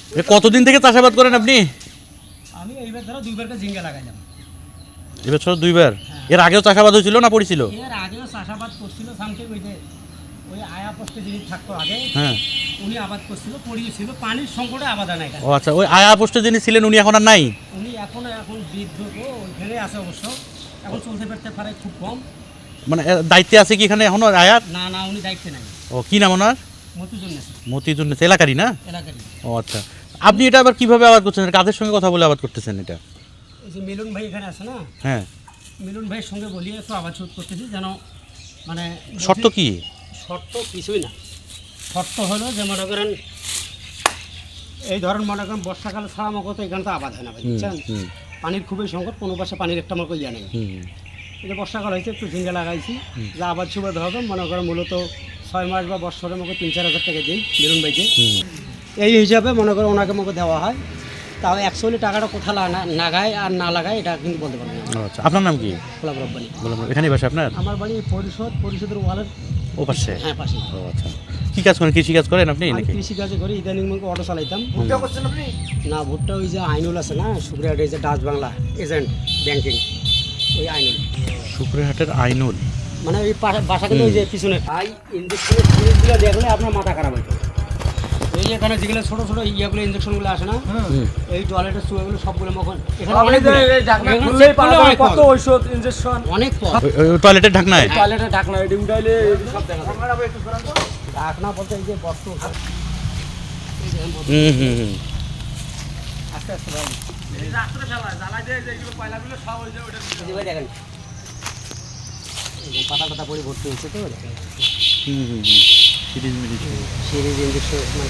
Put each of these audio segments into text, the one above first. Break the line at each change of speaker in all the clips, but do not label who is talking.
কতদিন থেকে চাষাবাদ করেন আপনি?
আমি এইবার ধরো দুইবার ঝিঙ্গা লাগাইলাম।
এবছর দুইবার? এর আগেও চাষাবাদ হয়েছিল না পড়েছিল?
এর আগেও চাষাবাদ করছিল সামথিং ওই আয়া পোস্টে যিনি থাকতো আগে,
হ্যাঁ,
উনি আবাদ করছিল, পড়িয়েছিল, পানির সংকটে আবাদ হয় না এখানে।
ও আচ্ছা, ওই আয়া পোস্টে যিনি ছিলেন উনি এখন আর নাই?
উনি এখন বৃদ্ধ তো, ওইখানে আছে অবশ্য, এখন চলতে ফিরতে পারে খুব কম।
মানে দায়িত্বে আছে কি এখানে এখনো আয়ার?
না না, উনি দায়িত্বে নাই।
ও, কি নাম ওনার?
মতিজুল
মতিজুল এলাকারই না?
এলাকারই।
ও আচ্ছা, আপনি এটা আবার কিভাবে আবাদ করছেন? কাদের সঙ্গে কথা বলে আবাদ করতেছেন এটা?
এই যে মিলন ভাই এখানে আছে না,
হ্যাঁ,
মিলন ভাইয়ের সঙ্গে বলিয়ে একটু আবাদ শুরু করতেছি, যেন মানে
শর্ত কি?
শর্ত কিছুই না, শর্ত হলো যে মনে করেন এই ধরেন মনে করেন বর্ষাকালে ছাড়া আমাকে তো এখানে তো আবাদ হয় না ভাই, বুঝছেন? পানির খুবই সংকট, কোনো পাশে পানির একটা আমাকে ইয়া নেই। এই যে বর্ষাকাল হয়েছে একটু ঝিঙ্গা লাগাইছি, যা আবাদ সুবাদ হবে মনে করেন মূলত 6 মাস বা বছরে আমাকে 3-4 হাজার টাকা দিই মিলন ভাইকে। এই হিসাবে মনে করেন ওনাকে আমাকে দেওয়া হয়। তাও অ্যাকচুয়ালি টাকাটা কোথা লাগায় আর না লাগায় এটা কিন্তু বলতে পারবেন না।
আচ্ছা, আপনার নাম কি?
গোলাপ রব্বানি।
এখানেই বাসা আপনার?
আমার বাড়ি পরিষদের ওয়ালের
ও পাশে?
হ্যাঁ, পাশে।
ও আচ্ছা, কি কাজ করেন? কৃষি কাজ করেন আপনি
আমি
নাকি?
কৃষি কাজে করি, ইদানিং মুখে অটো চালাইতাম। ভুট্টা করছেন আপনি? না, ভুট্টা ওই যে আইনুল আছে না, সুপ্রিয়াট, এই যে ডাচ বাংলা এজেন্ট ব্যাংকিং, ওই আইনুল।
শুক্রহাটের আইনুল
মানে ওই বাসা কিন্তু ওই যে পিছনে আই ইঞ্জেকশনের জিনিসগুলো দেখলে আপনার মাথা খারাপ হইতো। এই এখানে যেগুলো ছোটো ছোটো ইয়েগুলো ইঞ্জেকশনগুলো আসে না, এই টয়লেটের চুয়াগুলো সবগুলো মখন এখানে কত ঔষধ ইঞ্জেকশন অনেক
টয়লেটের ঢাকনায়?
টয়লেটের ঢাকনা এটি উঠাইলে সব দেখা যায়। ঢাকনা বলতে এই যে বস্ত আস্তে আস্তে ভাই এই যে আস্তে ফেলা জ্বালাই দিয়ে যেগুলো পয়লাগুলো সব হয়ে যায় ওটা ভাই দেখেন পাতা পাতা পরে ভর্তি হয়েছে তো দেখেন। সিরিজ ইঞ্জেকশন মানে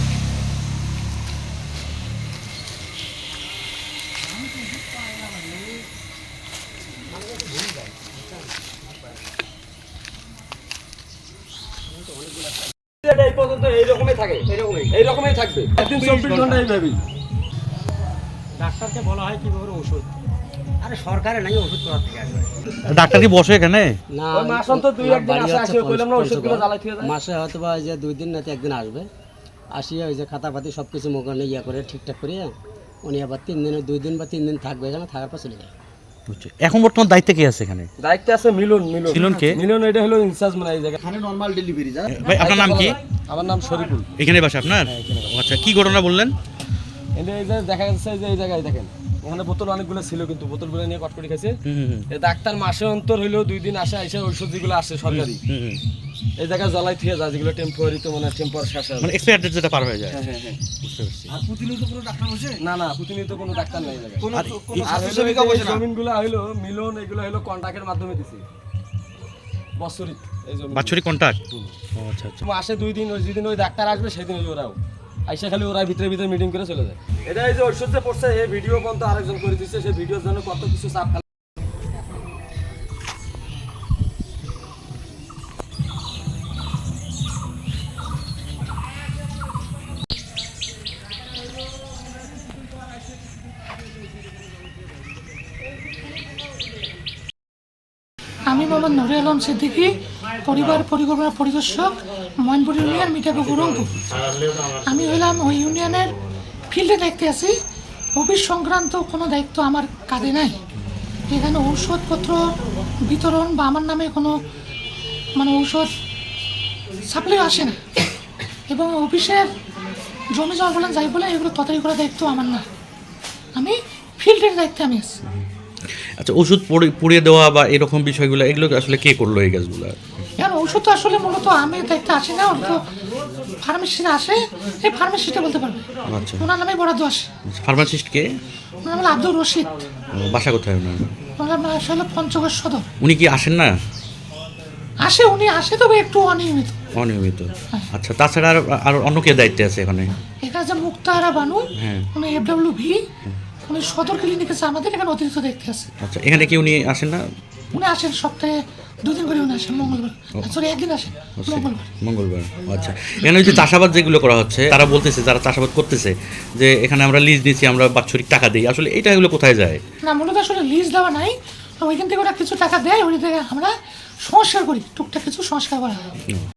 এই পর্যন্ত এইরকমই থাকে, এইরকমই থাকবে 24 ঘন্টা এইভাবেই। ডাক্তারকে বলা হয় কিভাবে ওষুধ, আরে সরকারে নাই ওষুধ করার থেকে আসবে।
ডাক্তার কি বসে এখানে?
না, ওই মাস অন্তর 2-1 দিন আসে কইলাম না ওষুধগুলো জ্বালাই থিয়ে যায়। মাসে হয়তো বা যে 2 দিন না 1 দিন আসবে, আসিয়া ওই যে খাতাপাতি সব কিছু মোকানে ইয়া করে ঠিকঠাক করে উনি আবার 3 দিনে 2 দিন বা 3 দিন থাকবে এখানে, থাকার পর চলে যায়।
এখন বর্তমান দায়িত্বে কে আছে এখানে?
দায়িত্বে আছে মিলন।
মিলন কে?
মিলন এটা হলো ইনচার্জ মানে এই জায়গা এখানে নরমাল ডেলিভারি যায়।
ভাই আপনার নাম কি?
আমার নাম শরীফুল।
এখানে বাসা আপনার? ও আচ্ছা, কি ঘটনা বললেন?
এই যে দেখা যাচ্ছে যে এই জায়গায় দেখেন এখানে বোতল অনেকগুলো ছিল, কিন্তু বোতলগুলো নিয়ে কটকটি খাইছে। এই ডাক্তার মাসে অন্তর হইলেও 2 দিন আসে, এসে ঔষধ যেগুলো আসে সরকারি এই জায়গায় জ্বালাই থিয়ে যায়, যেগুলো টেম্পোরারি তো মানে টেম্পোরারি শেষ হয়,
মানে এক্সপায়ার ডেট যেটা পার হয়ে যায়।
হ্যাঁ
বুঝতে পারছি।
আর প্রতিনিয়ত কোনো ডাক্তার বসে না, প্রতিনিয়ত কোনো ডাক্তার নাই জায়গায়।
আর
জমিনগুলো হইলো মিলন, এগুলো হইলো কন্ট্রাক্টের মাধ্যমে দিছে বছরিক, এই জমি
বাৎসরিক কন্ট্রাক্ট। ও আচ্ছা আচ্ছা,
মাসে 2 দিন, ওই যেদিন ওই ডাক্তার আসবে সেদিন ওরাও আইসা খালি ওরা ভিতরে মিটিং করে চলে যায়। এটা এই যে ঔষধ যে পড়ছে এই ভিডিও পর্যন্ত আরেকজন করে দিচ্ছে, সেই ভিডিওর জন্য কত কিছু চাপ।
আমি মোহাম্মদ নুরে আলম সিদ্দিকী, পরিবার পরিকল্পনা পরিদর্শক, ময়নপুর ইউনিয়ন, মিঠাপুকুর, রংপুর। আমি হইলাম ওই ইউনিয়নের ফিল্ডে দায়িত্বে আছি। অফিস সংক্রান্ত কোনো দায়িত্ব আমার কাঁধে নাই। এখানে ঔষধপত্র বিতরণ বা আমার নামে কোনো মানে ঔষধ সাপ্লাই আসে না, এবং অফিসের জমি জমা বলেন যাই বলেন এগুলো তদারকি করার দায়িত্ব আমার না। আমি ফিল্ডের দায়িত্বে আমি আছি।
আচ্ছা, ওষুধ পুড়িয়ে দেওয়া বা এরকম বিষয়গুলো এগুলো আসলে কে করলো এই কাজগুলো?
এখন ঔষধ তো আসলে মূলত আমি দায়িত্বে আসি না, ওটা তো ফার্মেসিতে আসে, এই ফার্মেসিটা বলতে পারবে।
আচ্ছা,
ওনার নামে বরাদ্দ আসে।
ফার্মাসিস্ট কে?
ওনার নাম আব্দুর রশিদ।
বাসা কোথায় ওনার?
ওনার নাম আসলে পঞ্চগড় সদর।
উনি কি আসেন না?
উনি আসে, তবে একটু অনিয়মিত।
অনিয়মিত। আচ্ছা, তাছাড়া আর অন্য কে দায়িত্বে আছে এখানে?
এখানে যে মুক্তাহারা বানু,
হ্যাঁ,
উনি FWV, উনি সদর ক্লিনিক আছে আমাদের এখানে, অতিরিক্ত দায়িত্বে আছে।
আচ্ছা, এখানে কি উনি আসেন না?
উনি আসেন সপ্তাহে 2 দিন করে, উনি আসেন মঙ্গলবার, সরি 1 দিন আসেন
মঙ্গলবার। আচ্ছা, এখানে ওই যে চাষাবাদ যেগুলো করা হচ্ছে, তারা বলতেছে, যারা চাষাবাদ করতেছে যে এখানে আমরা লিজ দিচ্ছি, আমরা বাৎসরিক টাকা দিই, আসলে এটা এগুলো কোথায় যায়?
না, মূলত আসলে লিজ দেওয়া নাই, ওইখান থেকে ওরা কিছু টাকা দেয়, ওই থেকে আমরা সংস্কার করি, টুকটাক কিছু সংস্কার করা হয়।